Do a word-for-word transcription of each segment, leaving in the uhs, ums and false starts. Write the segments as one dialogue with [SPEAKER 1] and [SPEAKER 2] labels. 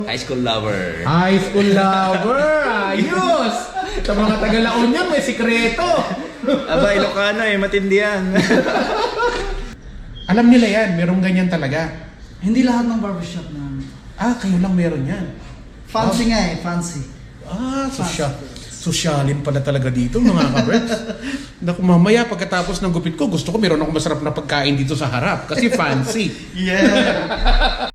[SPEAKER 1] High school lover.
[SPEAKER 2] High school lover! Ayos! Sa mga taga-Laon yan, may sikreto!
[SPEAKER 1] Aba, Ilocano eh, matindi yan.
[SPEAKER 2] Alam nila yan, merong ganyan talaga.
[SPEAKER 3] Hindi lahat ng barbershop na.
[SPEAKER 2] Ah, kayo lang meron yan.
[SPEAKER 3] Fancy nga eh, fancy.
[SPEAKER 2] Ah, sosyal. Sosyalin pala talaga dito, mga kabreks. Naku, mamaya pagkatapos ng gupit ko, gusto ko meron ako masarap na pagkain dito sa harap. Kasi fancy.
[SPEAKER 3] Yeah!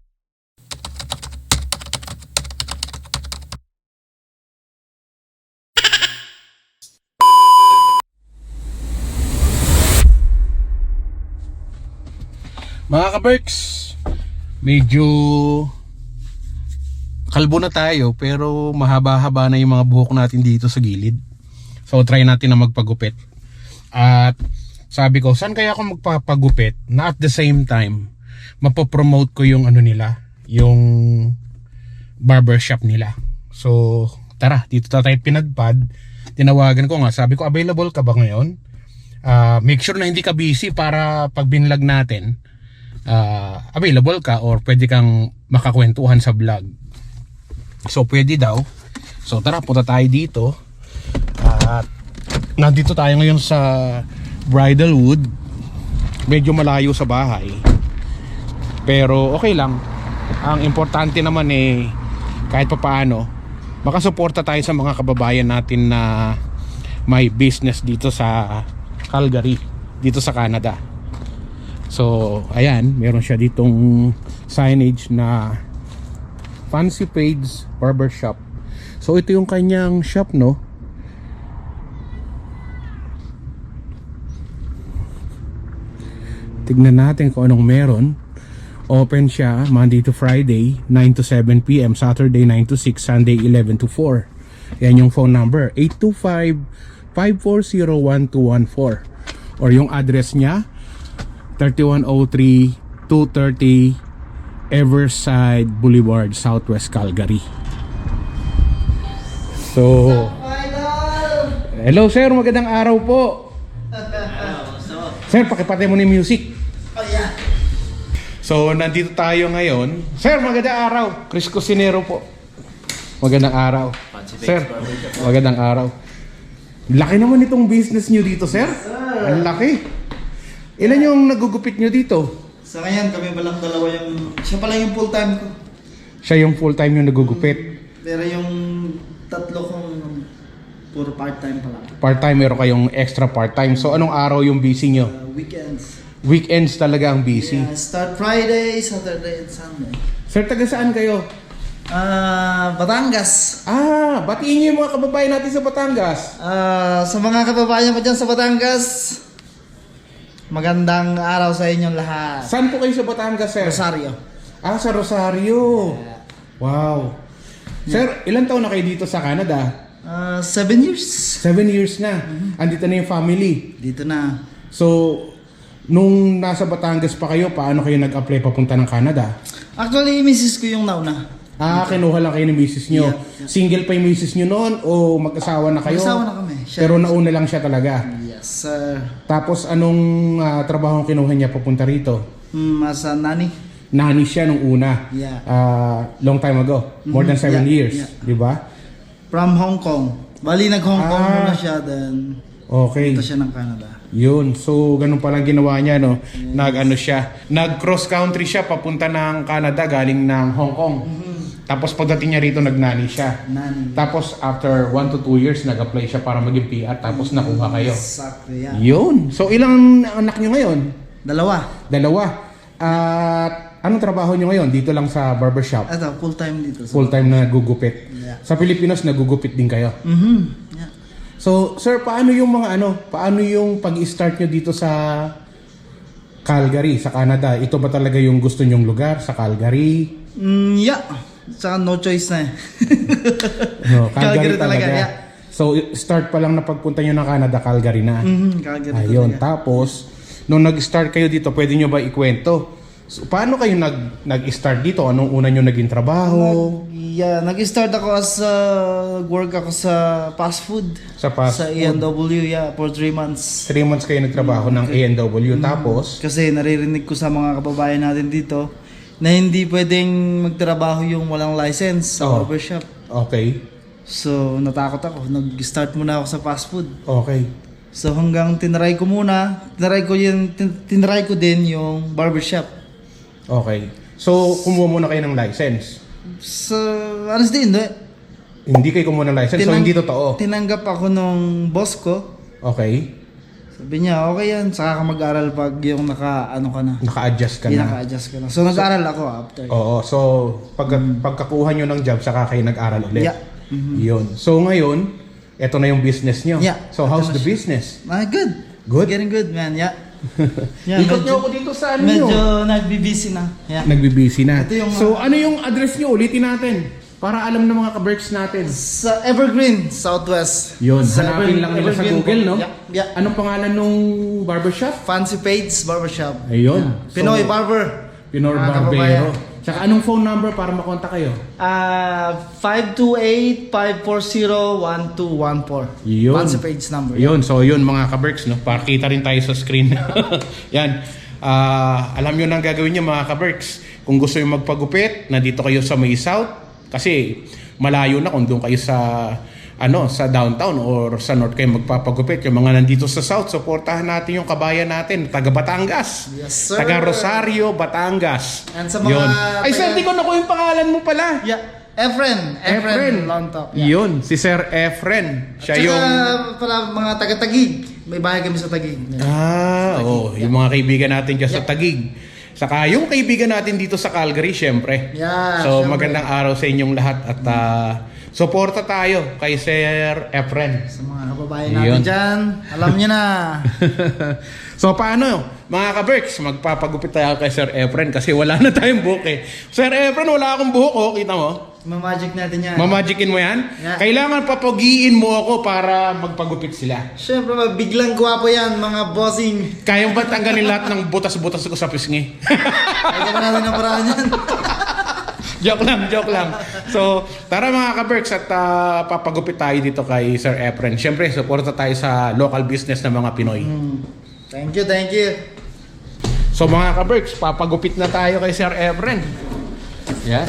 [SPEAKER 2] Mga kaberks, medyo kalbo na tayo pero mahaba-haba na yung mga buhok natin dito sa gilid. So try natin na magpagupit. At sabi ko, saan kaya ako magpapagupit na at the same time mapopromote ko yung ano nila, yung barbershop nila. So tara, dito tayo pinagpad. Tinawagan ko nga, sabi ko, available ka ba ngayon? Uh, make sure na hindi ka busy para pag binlog natin Uh, available ka or pwede kang makakwentuhan sa vlog. So pwede daw. So tara, punta tayo dito. At uh, nandito tayo ngayon sa Bridalwood. Medyo malayo sa bahay, pero okay lang. Ang importante naman eh, kahit pa paano makasuporta tayo sa mga kababayan natin na may business dito sa Calgary, dito sa Canada. So, ayan, meron siya ditong signage na Fancy Page Barbershop. So, ito yung kanyang shop, no? Tignan natin kung anong meron. Open siya Monday to Friday, nine to seven p m Saturday, nine to six, Sunday, eleven to four. Yan yung phone number, eight two five, five four zero, one two one four. Or yung address niya, thirty-one oh three, two thirty Everside Boulevard, Southwest Calgary. So, hello sir, magandang araw po. Sir, pakipatay mo ni music.
[SPEAKER 3] Oh yeah.
[SPEAKER 2] So, nandito tayo ngayon. Sir, magandang araw. Chris Cusinero po. Magandang araw. Sir, magandang araw. Laki naman itong business nyo dito, sir. Ang laki. Ilan yung nagugupit nyo dito?
[SPEAKER 3] Sa ngayon, kami pa lang dalawa yung... Siya pala yung full time ko.
[SPEAKER 2] Siya yung full time yung nagugupit.
[SPEAKER 3] Pero yung tatlo kong puro part time pa lang.
[SPEAKER 2] Part time, meron kayong extra part time. So anong araw yung busy nyo?
[SPEAKER 3] Uh, weekends.
[SPEAKER 2] Weekends talaga ang busy.
[SPEAKER 3] Yeah, start Friday, Saturday, and Sunday.
[SPEAKER 2] Sir, taga saan kayo?
[SPEAKER 3] Ah, Batangas.
[SPEAKER 2] Ah, batiin nyo yung mga kababayan natin sa Batangas.
[SPEAKER 3] Ah, sa mga kababayan ko dyan sa Batangas, magandang araw sa inyong lahat.
[SPEAKER 2] Saan po kayo sa Batangas, sir?
[SPEAKER 3] Rosario.
[SPEAKER 2] Ah, sa Rosario.
[SPEAKER 3] Yeah.
[SPEAKER 2] Wow. Sir, ilan taon na kayo dito sa Canada?
[SPEAKER 3] Ah, seven years.
[SPEAKER 2] Seven years na. Andito na yung family.
[SPEAKER 3] Dito na.
[SPEAKER 2] So, nung nasa Batangas pa kayo, paano kayo nag-apply papunta ng Canada?
[SPEAKER 3] Actually, misis ko yung nauna.
[SPEAKER 2] Ah, kinuha lang kayo ng misis nyo.
[SPEAKER 3] Yeah, yeah.
[SPEAKER 2] Single pa yung misis nyo noon o mag-asawa na kayo?
[SPEAKER 3] Mag-asawa na kami. Siya-
[SPEAKER 2] Pero nauna lang siya talaga.
[SPEAKER 3] Yes, sir.
[SPEAKER 2] Tapos anong uh, trabaho ang kinuha niya papunta rito?
[SPEAKER 3] Hmm, as a nani.
[SPEAKER 2] Nani siya nung una.
[SPEAKER 3] Yeah.
[SPEAKER 2] Ah, long time ago. More than
[SPEAKER 3] Mhm,
[SPEAKER 2] seven
[SPEAKER 3] yeah,
[SPEAKER 2] years.
[SPEAKER 3] yeah.
[SPEAKER 2] Di ba?
[SPEAKER 3] From Hong Kong. Bali, nag-Hong Kong
[SPEAKER 2] Ah.
[SPEAKER 3] muna siya, then
[SPEAKER 2] Okay.
[SPEAKER 3] punta siya ng Canada.
[SPEAKER 2] Yun. So, ganun palang ginawa niya, no? Nag-ano siya. Nag-cross country siya papunta ng Canada galing ng Hong Kong. Tapos pagdating niya rito, nagnani siya.
[SPEAKER 3] Nani.
[SPEAKER 2] Tapos after one to two years, nag-apply siya para maging P R. Tapos nakuha kayo.
[SPEAKER 3] Exactly, yeah.
[SPEAKER 2] Yun. So, ilang anak niyo ngayon?
[SPEAKER 3] Dalawa.
[SPEAKER 2] Dalawa. At anong trabaho niyo ngayon? Dito lang sa barbershop?
[SPEAKER 3] Ito, full time dito.
[SPEAKER 2] Full time na nagugupit.
[SPEAKER 3] Yeah.
[SPEAKER 2] Sa Pilipinas, nagugupit din kayo.
[SPEAKER 3] Mhm. Yeah.
[SPEAKER 2] So, sir, paano yung mga ano? Paano yung pag-start nyo dito sa Calgary, sa Canada? Ito ba talaga yung gusto nyong lugar sa Calgary?
[SPEAKER 3] Mm, yeah. Saka no choice na eh.
[SPEAKER 2] No, Calgary,
[SPEAKER 3] Calgary
[SPEAKER 2] talaga.
[SPEAKER 3] talaga, yeah.
[SPEAKER 2] So, start pa lang na pagpunta nyo ng Canada, Calgary na.
[SPEAKER 3] Mhm, Calgary
[SPEAKER 2] Ayun.
[SPEAKER 3] talaga.
[SPEAKER 2] Tapos, nung nag-start kayo dito, pwede nyo ba ikwento? So, paano kayo nag, nag-start dito? Anong una nyo naging trabaho?
[SPEAKER 3] Yeah, nag-start ako as uh, work ako sa fast food.
[SPEAKER 2] Sa fast
[SPEAKER 3] Sa A and W, yeah, for three months.
[SPEAKER 2] Three months kayo nagtrabaho ng A and W. Tapos,
[SPEAKER 3] Kasi naririnig ko sa mga kababayan natin dito, na hindi pwedeng magtrabaho yung walang license sa
[SPEAKER 2] Oo.
[SPEAKER 3] barbershop.
[SPEAKER 2] Okay.
[SPEAKER 3] So, natakot ako. Nag-start muna ako sa fast food.
[SPEAKER 2] Okay.
[SPEAKER 3] So, hanggang tinry ko muna, tinry ko, yung, tin- tinry ko din yung barbershop.
[SPEAKER 2] Okay. So, kumuha muna kayo ng license.
[SPEAKER 3] So, honestly, hindi.
[SPEAKER 2] Hindi kayo kumuha ng license, so
[SPEAKER 3] Tinang-
[SPEAKER 2] hindi totoo.
[SPEAKER 3] Tinanggap ako nung boss ko.
[SPEAKER 2] Okay.
[SPEAKER 3] Sabi niya, okay yan, saka ka mag-aral pag yung naka, ano ka na.
[SPEAKER 2] Naka-adjust ka
[SPEAKER 3] Hindi
[SPEAKER 2] na.
[SPEAKER 3] naka-adjust ka na. So, nag-aral ako after.
[SPEAKER 2] Oo. So, pag, pagkakuha nyo ng job, saka kayo nag-aral ulit.
[SPEAKER 3] Yeah. Mhm.
[SPEAKER 2] Yun. So, ngayon, eto na yung business nyo.
[SPEAKER 3] Yeah.
[SPEAKER 2] So, how's
[SPEAKER 3] Ito
[SPEAKER 2] the
[SPEAKER 3] na siya.
[SPEAKER 2] business?
[SPEAKER 3] Ah, good.
[SPEAKER 2] Good?
[SPEAKER 3] It's getting good, man. Yeah. Yeah,
[SPEAKER 2] Ikot
[SPEAKER 3] medyo-
[SPEAKER 2] nyo ako dito sa ano
[SPEAKER 3] Medyo
[SPEAKER 2] nyo.
[SPEAKER 3] nagbi-busy na. Yeah.
[SPEAKER 2] Nagbibisi na.
[SPEAKER 3] Ito yung
[SPEAKER 2] So,
[SPEAKER 3] mga-
[SPEAKER 2] ano yung address nyo? Ulitin natin. Para alam ng mga ka-berks natin.
[SPEAKER 3] Sa Evergreen, Southwest.
[SPEAKER 2] Yun.
[SPEAKER 3] Sa
[SPEAKER 2] Hanapin
[SPEAKER 3] Ever-
[SPEAKER 2] lang nila sa
[SPEAKER 3] Evergreen
[SPEAKER 2] Google,
[SPEAKER 3] po.
[SPEAKER 2] no?
[SPEAKER 3] Yeah. yeah.
[SPEAKER 2] Anong pangalan nung barbershop?
[SPEAKER 3] Fancy Page Barbershop.
[SPEAKER 2] Ayun.
[SPEAKER 3] Pinoy
[SPEAKER 2] So,
[SPEAKER 3] Barber.
[SPEAKER 2] Pinoy
[SPEAKER 3] Mga
[SPEAKER 2] Barbero.
[SPEAKER 3] kababayan.
[SPEAKER 2] Tsaka anong phone number para makontak kayo?
[SPEAKER 3] Ah, five two eight, five four zero, one two one four.
[SPEAKER 2] Yun.
[SPEAKER 3] Fancy Page number.
[SPEAKER 2] Yun, so yun mga ka-berks, no? Pakita rin tayo sa screen. Yan. Ah, alam nyo nang gagawin nyo mga ka-berks. Kung gusto nyo magpagupit, nandito kayo sa May South. Kasi malayo na kung doon kayo sa ano sa downtown or sa north kayo magpapagupit. Yung mga nandito sa south, supportahan natin yung kabayan natin, taga Batangas.
[SPEAKER 3] Yes, sir.
[SPEAKER 2] Taga Rosario, Batangas.
[SPEAKER 3] And sa mga
[SPEAKER 2] Yun. Ay,
[SPEAKER 3] taga-
[SPEAKER 2] sir, di ko nakuha yung pangalan mo pala.
[SPEAKER 3] Yeah. Efren. Efren. Lontok. Yeah.
[SPEAKER 2] Yun, si Sir Efren. Siya
[SPEAKER 3] Tsaka,
[SPEAKER 2] yung...
[SPEAKER 3] para mga taga-Tagig. May bahay kami sa Tagig.
[SPEAKER 2] Ah, oh, yung mga kaibigan natin dyan sa Tagig. Saka yung kaibigan natin dito sa Calgary, syempre.
[SPEAKER 3] Yeah,
[SPEAKER 2] So,
[SPEAKER 3] syempre.
[SPEAKER 2] magandang araw sa inyong lahat at ah, suporta tayo kay Sir Efren.
[SPEAKER 3] Sa mga kababayan natin
[SPEAKER 2] Yun.
[SPEAKER 3] dyan, alam nyo na.
[SPEAKER 2] So, paano? Mga ka-berks, magpapagupit tayo kay Sir Efren kasi wala na tayong buhok eh. Sir Efren, wala akong buhok, oh. Kita mo?
[SPEAKER 3] Mamagic natin yan.
[SPEAKER 2] Mamagicin mo yan?
[SPEAKER 3] Yeah.
[SPEAKER 2] Kailangan papagiin mo ako para magpagupit sila.
[SPEAKER 3] Siyempre, biglang gwapo yan, mga bossing.
[SPEAKER 2] Kayang ba tanggalin lahat ng butas-butas ko sa pisngi?
[SPEAKER 3] Kaya ka natin ang paraan yan.
[SPEAKER 2] Joke lang, joke lang. So, tara mga ka-berks at ah, papagupit tayo dito kay Sir Efren. Siyempre, suporta tayo sa local business ng mga Pinoy.
[SPEAKER 3] Hmm. Thank you, thank you.
[SPEAKER 2] So mga ka-berks, papagupit na tayo kay Sir Efren. Yan.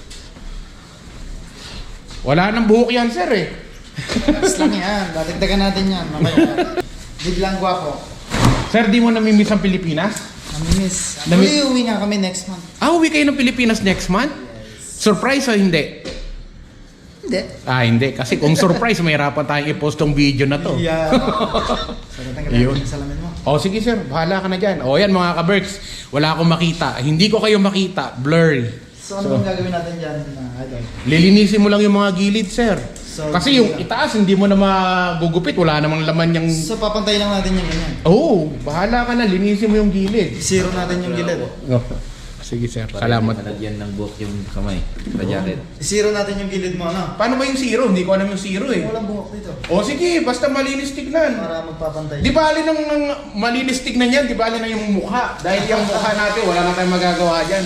[SPEAKER 2] Wala nang buhok yan, sir eh.
[SPEAKER 3] Mas lang yan, dadagdagan natin yan. Mamaya. Biglang gwapo.
[SPEAKER 2] Sir, di mo namimiss ang Pilipinas?
[SPEAKER 3] Namimiss.
[SPEAKER 2] Nami-
[SPEAKER 3] Actually, uwi nga kami next month.
[SPEAKER 2] Ah, uwi kayo ng Pilipinas next month? Surprise o hindi?
[SPEAKER 3] Hindi.
[SPEAKER 2] Ah, hindi. Kasi kung surprise, mahirapan tayong i-post tong video na to.
[SPEAKER 3] Yeah. So, tatanggalin
[SPEAKER 2] Yun.
[SPEAKER 3] natin yung salamin mo.
[SPEAKER 2] O sige sir, bahala ka na dyan. O yan mga ka-berks, wala akong makita. Hindi ko kayo makita, blurry.
[SPEAKER 3] So, ano bang gagawin natin dyan? na idol?
[SPEAKER 2] Lilinisin mo lang yung mga gilid, sir.
[SPEAKER 3] So,
[SPEAKER 2] Kasi yung
[SPEAKER 3] yeah.
[SPEAKER 2] itaas, hindi mo na magugupit. Wala namang laman yung...
[SPEAKER 3] So, papantayin lang natin yung ganyan.
[SPEAKER 2] Oo, oh, bahala ka na. Linisin mo yung gilid.
[SPEAKER 3] Zero natin yung gilid.
[SPEAKER 2] Oh. Sige, sir.
[SPEAKER 1] Para
[SPEAKER 2] Salamat.
[SPEAKER 1] hindi malagyan ng buhok yung kamay. Sa jacket.
[SPEAKER 3] Zero natin yung gilid mo, ano?
[SPEAKER 2] Paano ba yung zero? Hindi ko alam yung zero eh.
[SPEAKER 3] Walang buhok dito.
[SPEAKER 2] O sige, basta malinis tignan.
[SPEAKER 3] Para magpapantay.
[SPEAKER 2] Di bali nang nang malinis tignan yan, di bali na yung mukha. Dahil yung mukha natin, wala na tayong magagawa dyan.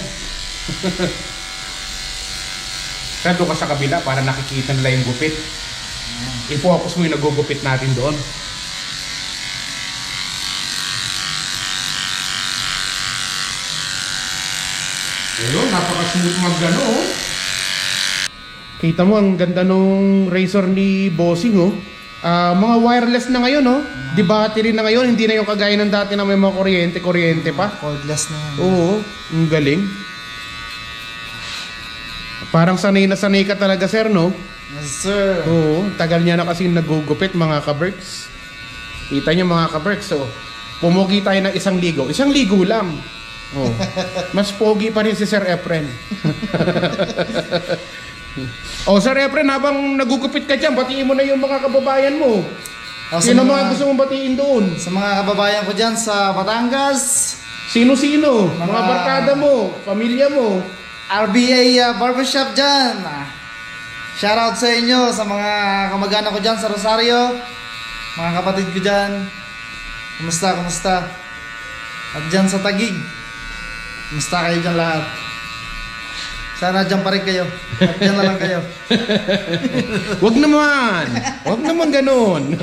[SPEAKER 2] Sir, doon ka sa kabila para nakikita nila yung gupit. I-focus mo yung nagugupit natin doon. Ayun, napaka-smooth mag-ano oh. Kita mo, ang ganda nung razor ni Bossing oh. Ah, mga wireless na ngayon oh. Di battery na ngayon, hindi na yung kagaya ng dati na may mga kuryente-kuryente pa.
[SPEAKER 3] Cordless na yan.
[SPEAKER 2] Oo, ang galing. Parang sanay na sanay ka talaga, sir, no?
[SPEAKER 3] Yes, sir.
[SPEAKER 2] Oo, tagal niya na kasi nagugupit, mga ka-berks. Kita niyo mga ka-berks, so pumugi tayo ng isang ligo. Isang ligo lang. Oh. Mas pogi pa rin si Sir Efren. Oh, Sir Efren, habang nagugupit ka dyan, batiin mo na yung mga kababayan mo.
[SPEAKER 3] O, sa
[SPEAKER 2] Sino
[SPEAKER 3] mga-
[SPEAKER 2] mga gusto mong batiin doon?
[SPEAKER 3] Sa mga kababayan ko dyan sa Batangas,
[SPEAKER 2] Sino-sino? Mga,
[SPEAKER 3] Mga-
[SPEAKER 2] barkada mo, pamilya mo.
[SPEAKER 3] R B A uh, Barbershop dyan. Ah, Shoutout sa inyo, sa mga kamag-anak ko dyan sa Rosario, mga kapatid ko dyan. Kumusta, kumusta? At dyan sa Tagig, kumusta kayo dyan lahat? Sana dyan pa rin kayo. At dyan na lang kayo.
[SPEAKER 2] Wag naman. Wag naman ganun.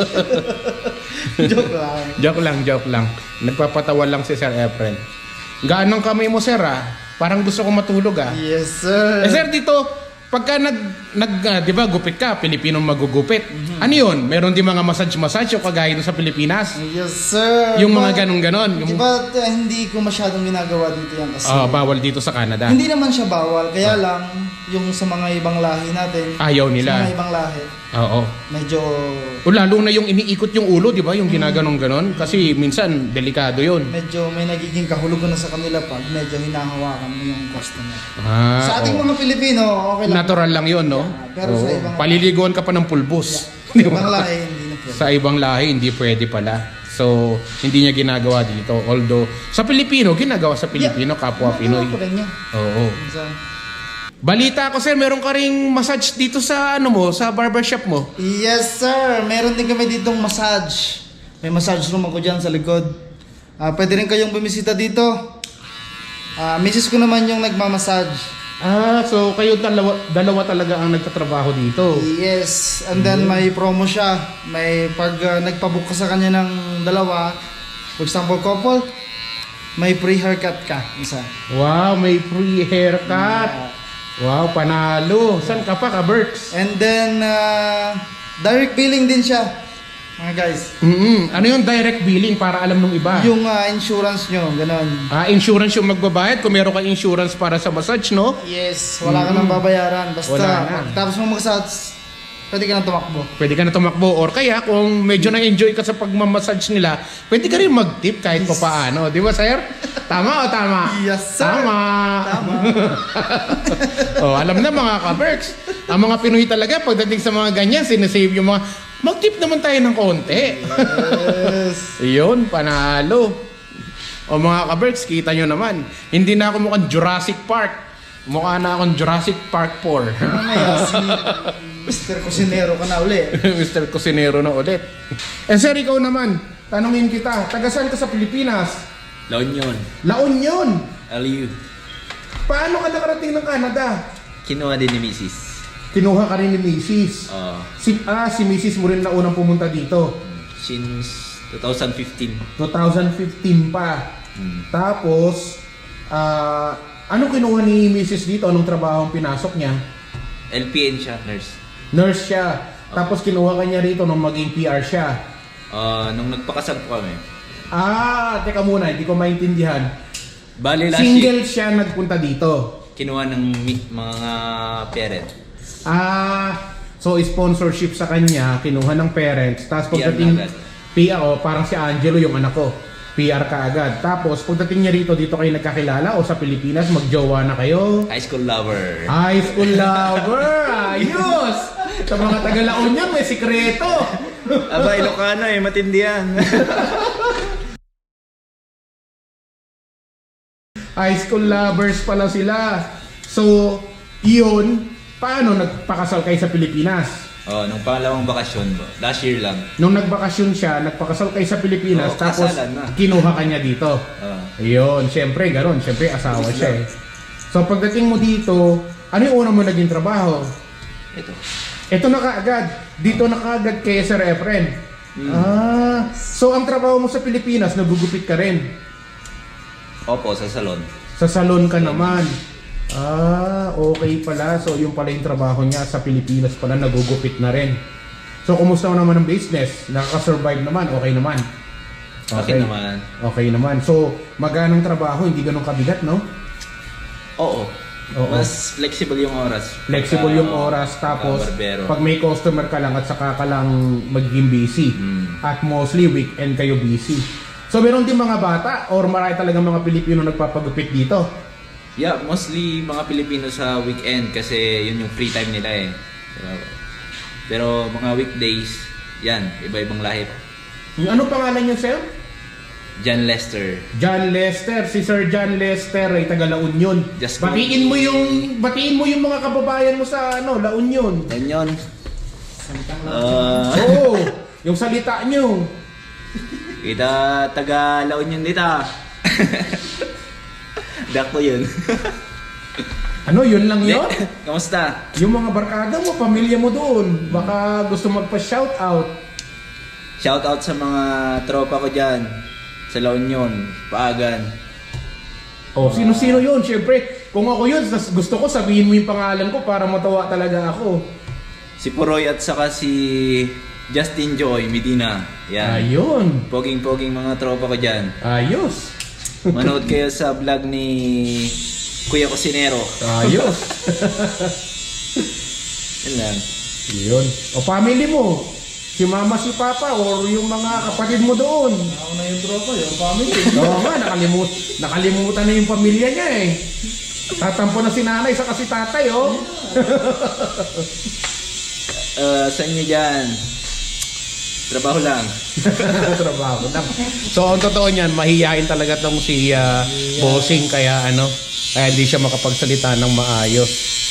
[SPEAKER 3] Joke lang.
[SPEAKER 2] Joke lang, joke lang. Nagpapatawa lang si Sir Efren. Gaan ng kamay mo, sir, ah? Parang gusto ko matulog ah.
[SPEAKER 3] Yes, sir.
[SPEAKER 2] Eh sir, dito, pagka nag, nag ah, di ba, gupit ka, Pilipinong magugupit.
[SPEAKER 3] Mhm.
[SPEAKER 2] Ano yun? Meron din mga massage-massage o kagaya doon sa Pilipinas?
[SPEAKER 3] Yes, sir.
[SPEAKER 2] Yung
[SPEAKER 3] Ba-
[SPEAKER 2] mga ganun-ganon.
[SPEAKER 3] Di
[SPEAKER 2] Yung,
[SPEAKER 3] ba uh, hindi ko masyadong ginagawa dito yan kasi
[SPEAKER 2] ah, bawal dito sa Canada.
[SPEAKER 3] hindi naman siya bawal, kaya lang yung sa mga ibang lahi natin,
[SPEAKER 2] Ayaw
[SPEAKER 3] sa mga
[SPEAKER 2] nila.
[SPEAKER 3] ibang lahi,
[SPEAKER 2] Oo.
[SPEAKER 3] medyo
[SPEAKER 2] O lalo na yung iniikot yung ulo, di ba? Yung ginaganon-ganon. Kasi minsan, delikado yun.
[SPEAKER 3] medyo may nagiging kahulugan na sa kanila pag medyo hinahawakan mo yung customer.
[SPEAKER 2] Ah,
[SPEAKER 3] Sa ating
[SPEAKER 2] oo.
[SPEAKER 3] mga Pilipino, okay lang.
[SPEAKER 2] Natural lang yun, no?
[SPEAKER 3] Yeah, pero sa
[SPEAKER 2] Oo.
[SPEAKER 3] ibang-
[SPEAKER 2] Paliliguan ka pa ng pulbos.
[SPEAKER 3] Sa ibang lahi, hindi na pwede.
[SPEAKER 2] Sa ibang lahi, hindi pwede pala. So, hindi niya ginagawa dito. Although, sa Pilipino, ginagawa sa Pilipino, kapwa Pinoy.
[SPEAKER 3] Ginagawa pa rin niya.
[SPEAKER 2] Oo.
[SPEAKER 3] Minsan.
[SPEAKER 2] Balita ko, sir, meron ka ring massage dito sa, ano mo, sa barbershop mo.
[SPEAKER 3] Yes, sir. Meron din kami ditong massage. May massage room ako dyan sa likod. Ah, pwede rin kayong bumisita dito. Ah, misis ko naman yung nagmamassage.
[SPEAKER 2] Ah, so kayo dalawa, dalawa talaga ang nagtatrabaho dito.
[SPEAKER 3] Yes. And then may promo siya. May pag ah, nagpabook ka sa kanya ng dalawa, for example, couple, may free haircut ka. Isa.
[SPEAKER 2] Wow, may free haircut. Wow, panalo. Saan ka pa, ka-Berks?
[SPEAKER 3] And then, ah, direct billing din siya. Mga guys.
[SPEAKER 2] Mm-mm. Ano yung direct billing para alam nung iba?
[SPEAKER 3] Yung ah, insurance nyo, ganon.
[SPEAKER 2] Ah, insurance yung magbabayad kung meron kang insurance para sa massage, no?
[SPEAKER 3] Yes, wala ka nang babayaran. Basta,
[SPEAKER 2] Wala na.
[SPEAKER 3] pagtapos mo mag-massage, pwede ka nang tumakbo.
[SPEAKER 2] Pwede ka na tumakbo. Or kaya kung medyo na-enjoy ka sa pagmamassage nila, pwede ka rin mag-tip kahit pa paano. Di ba, sir? Tama o tama?
[SPEAKER 3] Yes, sir.
[SPEAKER 2] Tama.
[SPEAKER 3] Tama.
[SPEAKER 2] Oh, alam na mga ka-Berks. Ang mga Pinoy talaga, pagdating sa mga ganyan, sinasave yung mga, mag-tip naman tayo ng konti.
[SPEAKER 3] Yes.
[SPEAKER 2] Iyon, panalo. O mga ka-Berks, kita nyo naman. Hindi na ako mukhang Jurassic Park. Mukha na akong Jurassic Park four.
[SPEAKER 3] Mamaya, si Mister Cusinero ka na uli.
[SPEAKER 2] Mister Cusinero na ulit. Eh sir, ikaw naman, tanungin kita, taga saan ka sa Pilipinas?
[SPEAKER 1] La Union.
[SPEAKER 2] La Union!
[SPEAKER 1] L U.
[SPEAKER 2] Paano ka nakarating ng Canada?
[SPEAKER 1] Kinuha din ni Missus
[SPEAKER 2] Kinuha ka rin ni Missus
[SPEAKER 1] Uh,
[SPEAKER 2] Si, ah, si Missus mo rin na unang pumunta dito.
[SPEAKER 1] since twenty fifteen.
[SPEAKER 2] twenty fifteen pa.
[SPEAKER 1] Hmm.
[SPEAKER 2] Tapos, ah, anong kinuha ni Missus dito? Anong trabaho ang pinasok niya?
[SPEAKER 1] L P N siya, nurse.
[SPEAKER 2] Nurse siya. Tapos kinuha ka niya rito nung maging P R siya.
[SPEAKER 1] Uh, nung nagpakasal po kami.
[SPEAKER 2] Ah, teka muna, hindi ko maintindihan.
[SPEAKER 1] Bali last
[SPEAKER 2] Single
[SPEAKER 1] year,
[SPEAKER 2] siya nagpunta dito.
[SPEAKER 1] kinuha ng mi- mga parent.
[SPEAKER 2] Ah, so sponsorship sa kanya, kinuha ng parents. Tapos
[SPEAKER 1] P R
[SPEAKER 2] pagdating
[SPEAKER 1] na agad.
[SPEAKER 2] P R, oh, parang si Angelo yung anak ko. P R ka agad. Tapos pagdating niya rito, dito kayo nagkakilala o sa Pilipinas, magjowa na kayo.
[SPEAKER 1] High school lover.
[SPEAKER 2] High school lover! Ayos! Sa mga taga-La Union, may sikreto.
[SPEAKER 1] Aba, Ilocano eh, matindi yan.
[SPEAKER 2] High school lovers pala sila. So, yun, paano nagpakasal kayo sa Pilipinas?
[SPEAKER 1] Oh, nung pangalawang bakasyon, last year lang.
[SPEAKER 2] Nung nagbakasyon siya, nagpakasal kayo sa Pilipinas,
[SPEAKER 1] Oo,
[SPEAKER 2] tapos
[SPEAKER 1] kasalan na.
[SPEAKER 2] kinuha ka niya dito.
[SPEAKER 1] Oh.
[SPEAKER 2] Ayun, syempre, gano'n. Syempre, asawa
[SPEAKER 1] Business
[SPEAKER 2] siya eh. So, pagdating mo dito, ano yung una mo naging trabaho?
[SPEAKER 1] Ito.
[SPEAKER 2] Ito na kaagad. Dito na kaagad kay Sir Efren.
[SPEAKER 1] Hmm.
[SPEAKER 2] Ah, so ang trabaho mo sa Pilipinas, nagugupit ka rin.
[SPEAKER 1] Opo, sa salon.
[SPEAKER 2] Sa salon ka naman. Ah, okay pala. So yung pala yung trabaho niya sa Pilipinas pala, nagugupit na rin. So kumusta naman ang business? Nakaka-survive naman? Okay naman?
[SPEAKER 1] Okay naman.
[SPEAKER 2] Okay naman. So maganang trabaho, hindi ganun kabigat, no?
[SPEAKER 1] Oo.
[SPEAKER 2] Oo.
[SPEAKER 1] Mas flexible yung oras.
[SPEAKER 2] Flexible
[SPEAKER 1] Pagka-
[SPEAKER 2] yung oras. Tapos
[SPEAKER 1] pagka barbero.
[SPEAKER 2] pag may customer ka lang at saka ka lang magiging busy.
[SPEAKER 1] Mm.
[SPEAKER 2] At mostly weekend kayo busy. So meron din mga bata or marami talagang mga Pilipino nagpapagupit dito?
[SPEAKER 1] Yeah, mostly mga Pilipino sa weekend kasi yun yung free time nila eh. Pero, pero mga weekdays, yan, iba-ibang lahi.
[SPEAKER 2] Ano pangalan niyo, sir?
[SPEAKER 1] John Lester.
[SPEAKER 2] John Lester, si Sir John Lester ay taga La Union.
[SPEAKER 1] Just
[SPEAKER 2] Batiin mo yung batiin mo yung mga kababayan mo sa ano, La Union.
[SPEAKER 1] Yan yun. Uh,
[SPEAKER 2] Oo, yung salita niyo.
[SPEAKER 1] kita taga La Union dita. Dak ko yun.
[SPEAKER 2] Ano, yun lang yun?
[SPEAKER 1] Kamusta?
[SPEAKER 2] Yung mga barkada mo, pamilya mo doon, baka gusto magpa-shoutout.
[SPEAKER 1] Shout out sa mga tropa ko dyan sa La Union, Paagan.
[SPEAKER 2] Oh, sino-sino yun? Siyempre, kung ako yun, tas gusto ko sabihin mo yung pangalan ko para matawa talaga ako.
[SPEAKER 1] Si Poroy at saka si Justin Joy Medina. Yan.
[SPEAKER 2] Ayun.
[SPEAKER 1] Poging-poging mga tropa ko dyan.
[SPEAKER 2] Ayos.
[SPEAKER 1] Manood kayo sa vlog ni Kuya Cosinero.
[SPEAKER 2] Ayos.
[SPEAKER 1] Yan lang.
[SPEAKER 2] Yun. O family mo. Si mama, si papa, or yung mga kapatid mo doon.
[SPEAKER 3] Ako na yung tropa, yung family.
[SPEAKER 2] Oo nga, nakalimut, nakalimutan na yung pamilya niya eh. Tatampo na si nanay sa kasi tatay, oh.
[SPEAKER 1] Uh, sa inyo dyan, trabaho lang.
[SPEAKER 2] Trabaho lang. So, ang totoo niyan, mahihain talaga tong si uh, Bossing, kaya ano, kaya hindi siya makapagsalita ng maayos.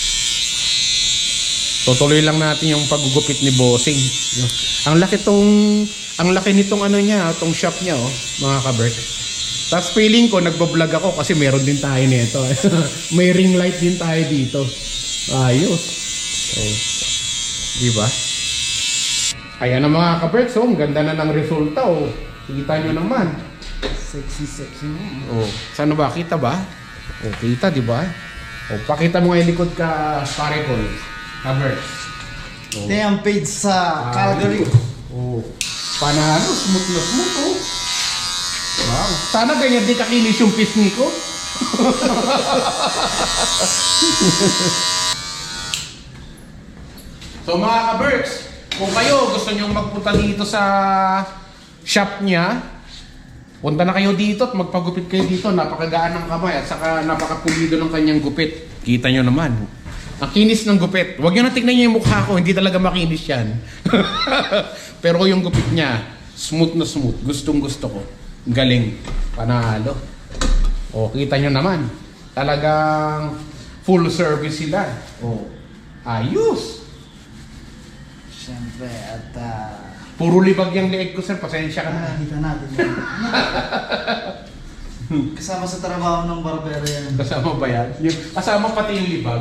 [SPEAKER 2] So, tuloy lang natin yung paggugupit ni Bossing. Ang laki tong, ang laki nitong ano niya, tong shop niya, oh, mga ka-Berk. Tapos feeling ko, nagbablog ako kasi meron din tayo nito. May ring light din tayo dito. Ayos. So, di ba? Ayan na mga ka-Berk, so, ang ganda na ng resulta, oh. Kita nyo naman.
[SPEAKER 3] Sexy, sexy mo.
[SPEAKER 2] Oh, saan ba? Kita ba? Oh, kita, di ba? Oh, pakita mo nga yung likod ka, pare ko. Ka-Berk. Oh.
[SPEAKER 3] Ito yung page sa Calgary.
[SPEAKER 2] Oh, panalo, smooth na smooth, oh. Wow. Sana ganyan di kakinis yung pisngi ko. So mga ka-Berks, kung kayo gusto nyo magpunta dito sa shop niya, punta na kayo dito at magpagupit kayo dito. Napakagaan ng kamay at saka napakapulido ng kanyang gupit. Kita nyo naman. Ang kinis ng gupit. Huwag nyo na tignan nyo yung mukha ko, hindi talaga makinis yan. Pero yung gupit niya, smooth na smooth. Gustong gusto ko. Galing. Panalo. O, kita nyo naman. Talagang full service sila. O, ayos.
[SPEAKER 3] Siyempre, at uh,
[SPEAKER 2] Puro libag yung leeg ko, sir. Pasensya ka na.
[SPEAKER 3] nakikita natin yan. Kasama sa trabaho ng barbero yan.
[SPEAKER 2] Kasama ba yan? Yung, kasama pati yung libag.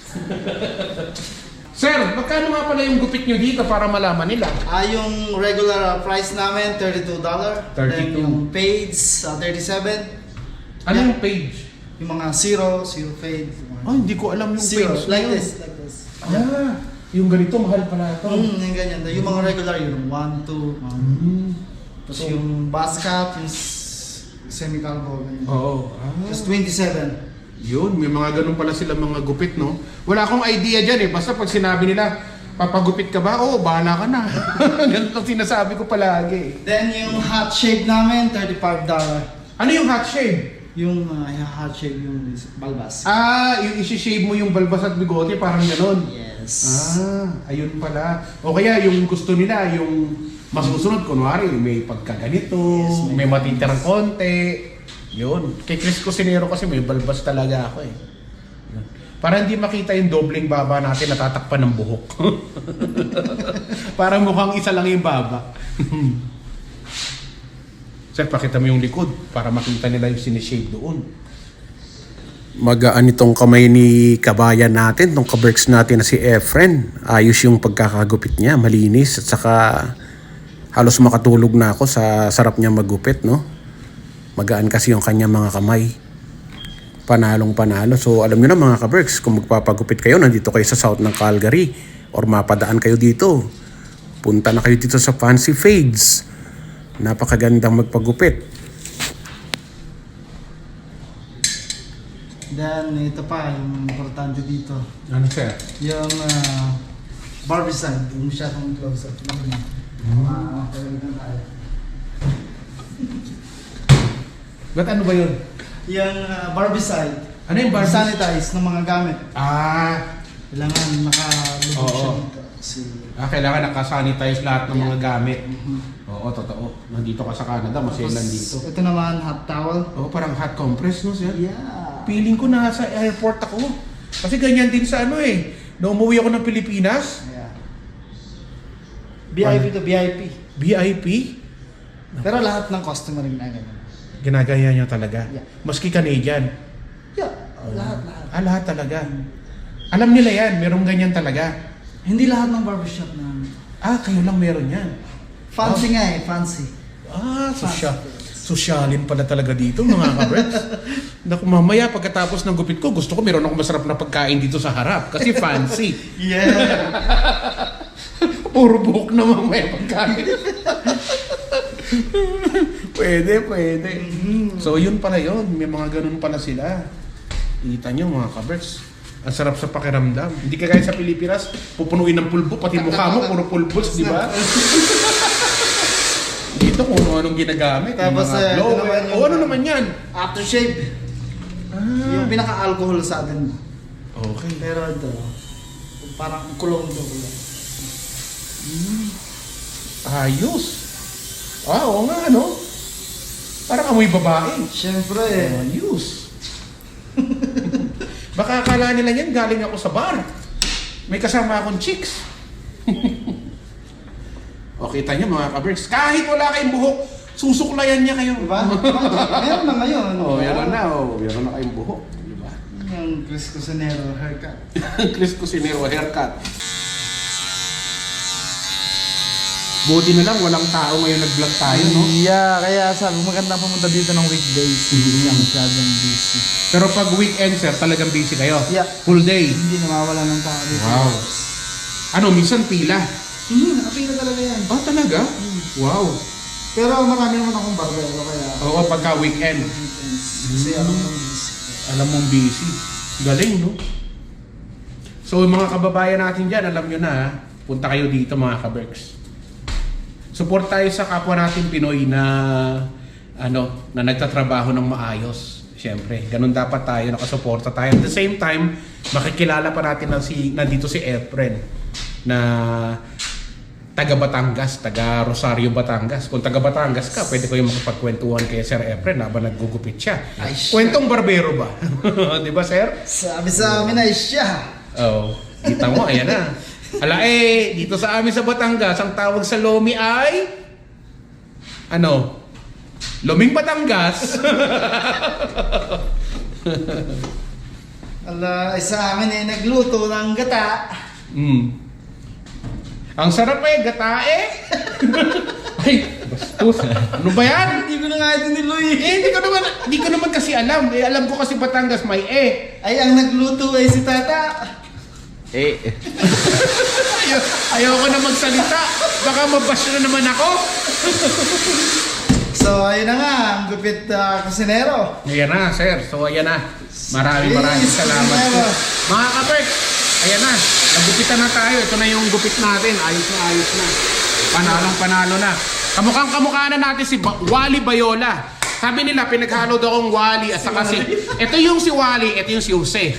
[SPEAKER 2] Sir, magkano nga pala yung gupit nyo dito para malaman nila?
[SPEAKER 3] Ah, yung regular uh, price namin, thirty-two dollars. Then
[SPEAKER 2] thirty-two.
[SPEAKER 3] yung fades, uh, thirty-seven.
[SPEAKER 2] Ano
[SPEAKER 3] Yeah.
[SPEAKER 2] yung page?
[SPEAKER 3] Yung mga zero, zero fade. yung mga-
[SPEAKER 2] Oh, hindi ko alam yung
[SPEAKER 3] zero,
[SPEAKER 2] page.
[SPEAKER 3] like
[SPEAKER 2] na yun.
[SPEAKER 3] this, like this.
[SPEAKER 2] Ah, yung ganito, mahal pala ito.
[SPEAKER 3] Mm, yung ganyan. Yung mga regular, yung one, two, um,
[SPEAKER 2] Mm.
[SPEAKER 3] tapos yung bus cap, yung s- semi-calvo, ganyan.
[SPEAKER 2] Oo. Ah.
[SPEAKER 3] Tapos twenty-seven.
[SPEAKER 2] Yun, may mga ganun pala sila mga gupit, no? Wala akong idea dyan eh. Basta pag sinabi nila, papagupit ka ba? Oo, bahala ka na. Ganun ang sinasabi ko palagi.
[SPEAKER 3] Then yung hot shave namin, thirty-five dollars.
[SPEAKER 2] Ano yung hot shave?
[SPEAKER 3] Yung uh, hot shave, yung balbas.
[SPEAKER 2] Ah, yung isi-shave mo yung balbas at bigote, parang ganun.
[SPEAKER 3] Yes.
[SPEAKER 2] Ah, ayun pala. O kaya yung gusto nila, yung masusunod, kunwari, may pagkaganito,
[SPEAKER 3] Yes,
[SPEAKER 2] may,
[SPEAKER 3] may
[SPEAKER 2] matitirang konti. Yun. Kay Chris Cosinero kasi may balbas talaga ako eh. Yun. Para hindi makita yung dobleng baba natin natatakpan ng buhok. Para mukhang isa lang yung baba. Sir, pakita mo yung likod para makita nila yung sinishave doon. Magaan itong kamay ni kabayan natin, itong kaberks natin na si Efren. Ayos yung pagkakagupit niya, malinis at saka halos makatulog na ako sa sarap niya magupit, no? Magaan kasi yung kanya mga kamay. Panalong panalo. So alam niyo na mga kaberks, kung magpapagupit kayo, nandito kayo sa south ng Calgary or mapadaan kayo dito, punta na kayo dito sa Fancy Fades. Napakagandang magpagupit.
[SPEAKER 3] Then ito pa, yung importante dito.
[SPEAKER 2] Ano sir?
[SPEAKER 3] Yung uh, barbicide, yung masyadong close up. Ah, talagang tayo.
[SPEAKER 2] Ba't ano ba yun?
[SPEAKER 3] Yung uh, barbicide,
[SPEAKER 2] Ano yung barbs?
[SPEAKER 3] sanitize ng mga gamit.
[SPEAKER 2] Ah,
[SPEAKER 3] Kailangan nakalubog
[SPEAKER 2] Oo.
[SPEAKER 3] siya dito. Kasi,
[SPEAKER 2] ah, kailangan nakasanitize lahat ng mga gamit.
[SPEAKER 3] Mhm.
[SPEAKER 2] Oo, totoo. Nandito ka sa Canada, maselan dito.
[SPEAKER 3] Ito naman, hot towel.
[SPEAKER 2] Oo, parang hot compress, no sir?
[SPEAKER 3] Yeah.
[SPEAKER 2] Feeling ko nasa airport ako. Kasi ganyan din sa ano eh. Nung umuwi ako ng Pilipinas,
[SPEAKER 3] Yeah. V I P to V I P.
[SPEAKER 2] V I P,
[SPEAKER 3] Pero lahat ng customer rin na ganyan.
[SPEAKER 2] ginagaya nyo talaga.
[SPEAKER 3] Yeah.
[SPEAKER 2] Maski Canadian.
[SPEAKER 3] Yeah, lahat, lahat.
[SPEAKER 2] Ah, lahat talaga. Alam nila yan, merong ganyan talaga.
[SPEAKER 3] Hindi lahat ng barbershop na
[SPEAKER 2] Ah, kayo lang meron yan.
[SPEAKER 3] fancy nga eh, fancy.
[SPEAKER 2] Ah, so
[SPEAKER 3] Fancy
[SPEAKER 2] siya.
[SPEAKER 3] face.
[SPEAKER 2] Sosyalin pala talaga dito mga kabreks. Naku, mamaya pagkatapos ng gupit ko, gusto ko meron akong masarap na pagkain dito sa harap. Kasi fancy.
[SPEAKER 3] Yeah.
[SPEAKER 2] Puro buhok na mamaya pagkain. Pwede, pwede. So yun pala yun. May mga ganun pala sila. Kita nyo mga kabreks. Ang sarap sa pakiramdam. Hindi ka gaya sa Pilipinas, pupunuin ng pulbo, pati mukha mo, puro pulbos, di ba? Dito kung ano-anong ginagamit.
[SPEAKER 3] Tapos,
[SPEAKER 2] mga
[SPEAKER 3] eh, ito
[SPEAKER 2] blower.
[SPEAKER 3] naman yung-
[SPEAKER 2] O ano naman yan?
[SPEAKER 3] Aftershave.
[SPEAKER 2] Ah,
[SPEAKER 3] Yung pinaka-alcohol sa atin.
[SPEAKER 2] okay.
[SPEAKER 3] Pero ito, parang kulong to.
[SPEAKER 2] Ayos. Ah, oo nga, ano? Parang amoy babae.
[SPEAKER 3] Siyempre.
[SPEAKER 2] Ayos. Baka akala nila yan, galing ako sa bar. May kasama akong chicks. O, kita nyo mga kabricks, kahit wala kayong buhok, susuklayan niya kayo.
[SPEAKER 3] Diba? Meron na ngayon.
[SPEAKER 2] Oh, meron na, oh. Meron na kayong buhok. Diba?
[SPEAKER 3] Yung Chris Cusinero haircut.
[SPEAKER 2] Chris Cusinero haircut. Buti na lang, walang tao ngayon nag-vlog tayo, no?
[SPEAKER 3] Yeah, kaya sabi ko magandang pumunta dito ng weekdays. Hindi siya masyadong busy.
[SPEAKER 2] Pero pag weekend, sir, talagang busy kayo?
[SPEAKER 3] Yeah.
[SPEAKER 2] Full day?
[SPEAKER 3] Hindi nawawala ng tao dito.
[SPEAKER 2] Wow. Ano, minsan pila?
[SPEAKER 3] Hmm, nakapila talaga yan.
[SPEAKER 2] Ah, talaga? Wow.
[SPEAKER 3] Pero marami naman akong barbero kaya.
[SPEAKER 2] Oo, pagka weekend.
[SPEAKER 3] Kasi alam mo busy.
[SPEAKER 2] Alam mong busy. Galing, no? So, yung mga kababayan natin dyan, alam nyo na, ha? Punta kayo dito, mga kaberks. Support tayo sa kapwa natin Pinoy na ano, na nagtatrabaho ng maayos. Siyempre, ganun dapat tayo, nakasuporta tayo. At the same time, makikilala pa natin na si, nandito si Efren na taga Batangas, taga Rosario, Batangas. Kung taga Batangas ka, pwede ko yung makapagkwentuhan kay Sir Efren habang naggugupit siya.
[SPEAKER 3] Ay, siya.
[SPEAKER 2] Kwentong barbero ba? Di ba, Sir?
[SPEAKER 3] Sabi sa amin ay siya.
[SPEAKER 2] Oo. Oh, kita mo, ayan na. Ala eh, dito sa amin sa Batangas, ang tawag sa Lomi ay ano? Loming Batangas.
[SPEAKER 3] Ala, ay sa amin ay nagluto ng gata.
[SPEAKER 2] Mm. Ang sarap eh, gata eh. Ay, bastos. Ano ba yan?
[SPEAKER 3] Hindi ko na nga ito niluy.
[SPEAKER 2] Eh, hindi ko naman, hindi ko naman kasi alam. Eh, alam ko kasi Batangas may eh.
[SPEAKER 3] Ay, ang nagluto ay si Tata.
[SPEAKER 1] Eh,
[SPEAKER 2] Ayaw, ayoko na magsalita. Baka mabash na naman ako.
[SPEAKER 3] So, ayun na nga, ang gupit uh, kusinero.
[SPEAKER 2] Ayan na, sir. So, ayan na. Maraming maraming
[SPEAKER 3] Yes,
[SPEAKER 2] salamat po.
[SPEAKER 3] kusinero.
[SPEAKER 2] Mga kaperk, ayan na. Nagupitan na tayo. Ito na yung gupit natin. Ayos na, ayos na. Panalong panalo na. Kamukhang kamukha na natin si ba- Wally Bayola. Sabi nila, pinaghalo daw akong Wally at saka si... Ito yung si Wally, ito yung si Jose.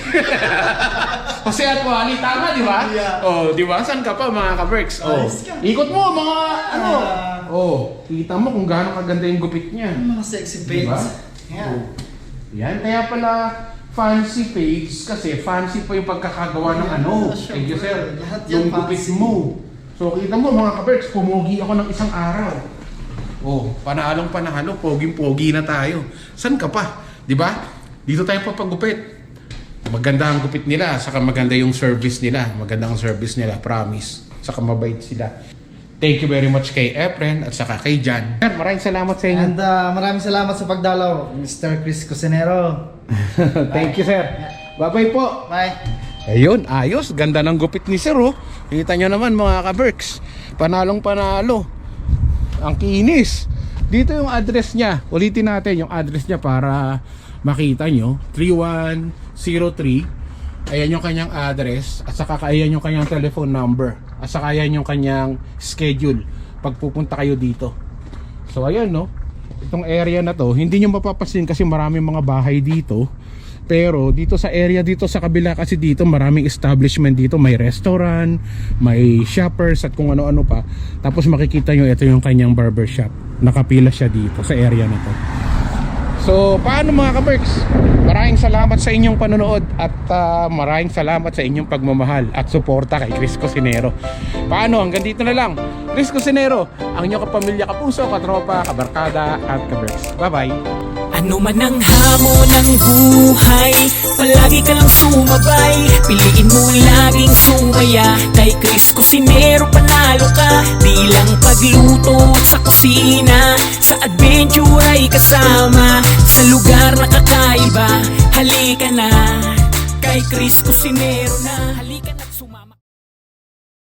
[SPEAKER 2] Jose at Wally, tama, di ba?
[SPEAKER 3] Yeah.
[SPEAKER 2] Oh, di ba? Saan ka pa, mga kaperks? Oh.
[SPEAKER 3] Ayos ka.
[SPEAKER 2] Ikot mo, mga ano.
[SPEAKER 3] Ah.
[SPEAKER 2] Oh, kita mo kung gaano kaganda yung gupit niya.
[SPEAKER 3] Ang mga sexy
[SPEAKER 2] Diba?
[SPEAKER 3] babes. Yeah.
[SPEAKER 2] Oh. Yan, kaya pala fancy page kasi fancy pa yung pagkakagawa ng ano.
[SPEAKER 3] Yeah, sure.
[SPEAKER 2] Thank you, sir.
[SPEAKER 3] Lahat yan
[SPEAKER 2] Yung gupit
[SPEAKER 3] fancy.
[SPEAKER 2] mo. So, kita mo mga kaberks, pumugi ako ng isang araw. Oh, panalong panalo, poging-pogi na tayo. San ka pa? Di ba? Dito tayo papagupit. Maganda ang gupit nila, saka maganda yung service nila. Maganda ang service nila, promise. Saka mabait sila. Thank you very much kay Efren at saka kay Jan. Sir, maraming salamat sa inyo.
[SPEAKER 3] And uh, maraming salamat sa pagdalaw, Mister Chris Cusinero.
[SPEAKER 2] Thank you, sir. Bye-bye po.
[SPEAKER 3] Bye.
[SPEAKER 2] Ayun, ayos. Ganda ng gupit ni sir, oh. Kita nyo naman, mga ka-Berks. Panalong panalo. Ang kinis. Dito yung address niya. Ulitin natin yung address niya para makita nyo. three one zero three. Ayan yung kanyang address. At saka ayan yung kanyang telephone number. At saka ayan yung kanyang schedule pag pupunta kayo dito. So ayan, no. Itong area na to, hindi nyo mapapasin kasi maraming mga bahay dito. Pero dito sa area dito sa kabila kasi dito maraming establishment dito, may restaurant, may shoppers at kung ano-ano pa. Tapos makikita nyo ito yung kanyang barbershop. Nakapila siya dito sa area na to. So paano mga ka-Berks? Maraming salamat sa inyong panonood at uh, maraming salamat sa inyong pagmamahal at suporta kay Chris Cusinero. Paano? Hanggang dito na lang. Chris Cusinero, ang inyong kapamilya, kapuso, katropa, kabarkada at ka-Berks. Bye-bye!
[SPEAKER 4] Ano man ang hamon ng buhay, palagi ka lang sumabay. Piliin mo laging sumaya. Kay Chris Cusinero panalo ka. Di lang pagluto at sa kusina, sa adventure ay kasama. Sa lugar na kakaiba, halika na. Kay Chris Cusinero na, halika na.